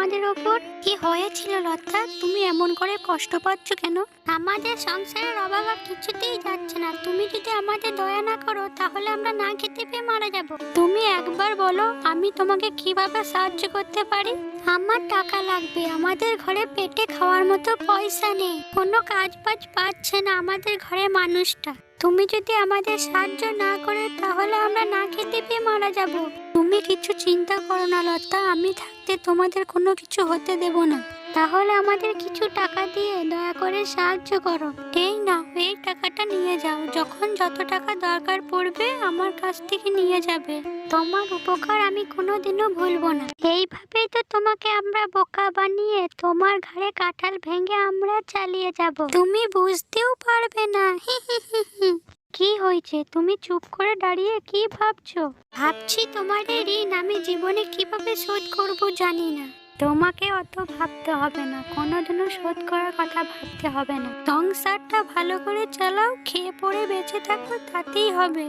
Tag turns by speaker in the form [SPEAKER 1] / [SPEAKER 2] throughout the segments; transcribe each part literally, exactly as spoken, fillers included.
[SPEAKER 1] আমাদের ওপর? কি হয়েছিল লতা? তুমি এমন করে কষ্ট পাচ্ছ কেন? আমাদের সংসারের অভাব আর কিছুতেই যাচ্ছে না। তুমি যদি আমাদের দয়া না করো তাহলে আমরা না খেতে পেয়ে মারা যাব। তুমি একবার বলো আমি তোমাকে কিভাবে সাহায্য করতে পারি। আমার টাকা লাগবে, আমাদের ঘরে পেটে খাওয়ার মতো পয়সা নেই, কোনো কাজ বাজ পাচ্ছে না আমাদের ঘরের মানুষটা। তুমি যদি আমাদের সাহায্য না করে তাহলে আমরা না খেতে পেয়ে মারা যাব। তুমি কিছু চিন্তা করো না লতা, আমি থাকতে তোমাদের কোনো কিছু হতে দেব না। তাহলে আমাদের কিছু টাকা দিয়ে দয়া করে সাহায্য করো। এই না, এই টাকাটা নিয়ে যাও, যখন যত টাকা দরকার পড়বে আমার কাছ থেকে নিয়ে যাবে। তোমার উপকার আমি কোনোদিনও ভুলবো না। এইভাবেই তো তোমাকে আমরা বোকা বানিয়ে তোমার ঘাড়ে কাঁঠাল ভেঙে আমরা চালিয়ে যাব, তুমি বুঝতেও পারবে না। হি হি হি হি। কি হয়েছে? তুমি চুপ করে দাঁড়িয়ে কি ভাবছো? ভাবছি তোমার এই ঋণ আমি জীবনে কিভাবে শোধ করব জানি না। তোমাকে অত ভাবতে হবে না, কোনোদিনও শোধ করার কথা ভাবতে হবে না। সংসারটা ভালো করে চালাও, খেয়ে পড়ে বেঁচে থাকো, তাতেই হবে।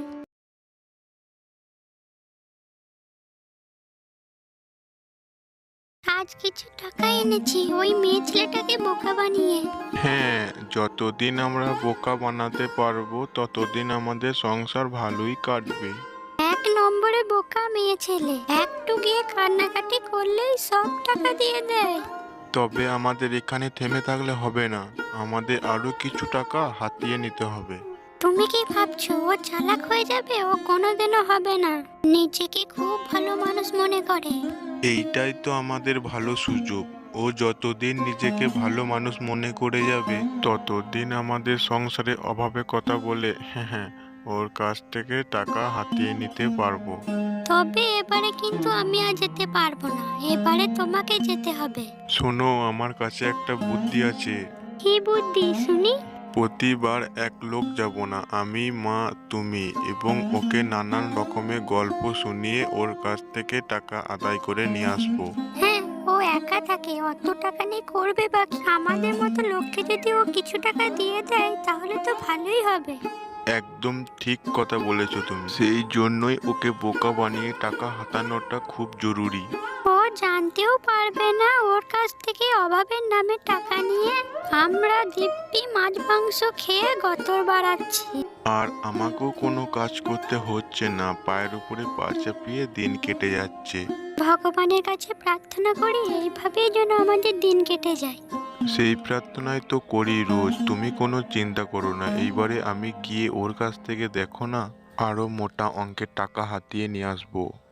[SPEAKER 1] আজ কিছু টাকা এনেছি ওই মেয়ে ছেলেটাকে বোকা বানিয়ে।
[SPEAKER 2] হ্যাঁ, যতদিন আমরা বোকা বানাতে পারবো ততদিন আমাদের সংসার ভালোই কাটবে।
[SPEAKER 1] এক নম্বরে বোকা মেয়ে ছেলে, একটু গিয়ে কান্নাকাটি করলেই সব টাকা দিয়ে দেয়।
[SPEAKER 2] তবে আমাদের এখানে থেমে থাকলে হবে না, আমাদের আরো কিছু টাকা হাতিয়ে নিতে হবে।
[SPEAKER 1] তুমি কি ভাবছো ও চালাক হয়ে যাবে? ও কোনোদিনও হবে না, নিজেকে খুব ভালো মানুষ মনে করে।
[SPEAKER 2] এইটাই তো আমাদের ভালো সুযোগ। ও যতদিন নিজেকে ভালো মানুষ মনে করে যাবে ততদিন আমাদের সংসারে অভাবে কথা বলে হ্যাঁ হ্যাঁ ওর কাছ থেকে টাকা হাতিয়ে নিতে পারবো।
[SPEAKER 1] তবে এবারে কিন্তু আমি আর যেতে পারবো না, এবারে তোমাকে যেতে হবে।
[SPEAKER 2] শোনো, আমার কাছে একটা বুদ্ধি আছে।
[SPEAKER 1] কি বুদ্ধি শুনি?
[SPEAKER 2] প্রতিবার এক লোক যাব না, আমি, মা, তুমি এবং ওকে নানান রকমের গল্প শুনিয়ে ওর কাছ থেকে টাকা আদায় করে নিয়ে আসবো।
[SPEAKER 1] হ্যাঁ, ও একা থাকে, অত টাকা নিয়ে করবে বা কি? আমাদের মতো লোককে যদি ও কিছু টাকা দিয়ে দেয় তাহলে তো ভালোই হবে।
[SPEAKER 2] একদম ঠিক কথা বলেছো তুমি, সেই জন্যই ওকে বোকা বানিয়ে টাকা হাতানোটা খুব জরুরি।
[SPEAKER 1] ও জানতেও পারবে না ওর কাছ থেকে অভাবের নামে টাকা নিয়ে আমরা দিব্যি মাছ মাংস খেয়ে গতর বাড়াচ্ছি।
[SPEAKER 2] আর আমাকেও কোনো কাজ করতে হচ্ছে না, পায়ের উপরে পা চাপিয়ে দিন কেটে যাচ্ছে।
[SPEAKER 1] ভগবানের কাছে প্রার্থনা করি এইভাবেই যেন আমাদের দিন কেটে যায়।
[SPEAKER 2] সেই প্রার্থনাই তো করি রোজ, তুমি কোনো চিন্তা করো না। এইবারে আমি গিয়ে ওর কাছ থেকে দেখো না আরো মোটা অঙ্কের টাকা হাতিয়ে নিয়ে আসবো।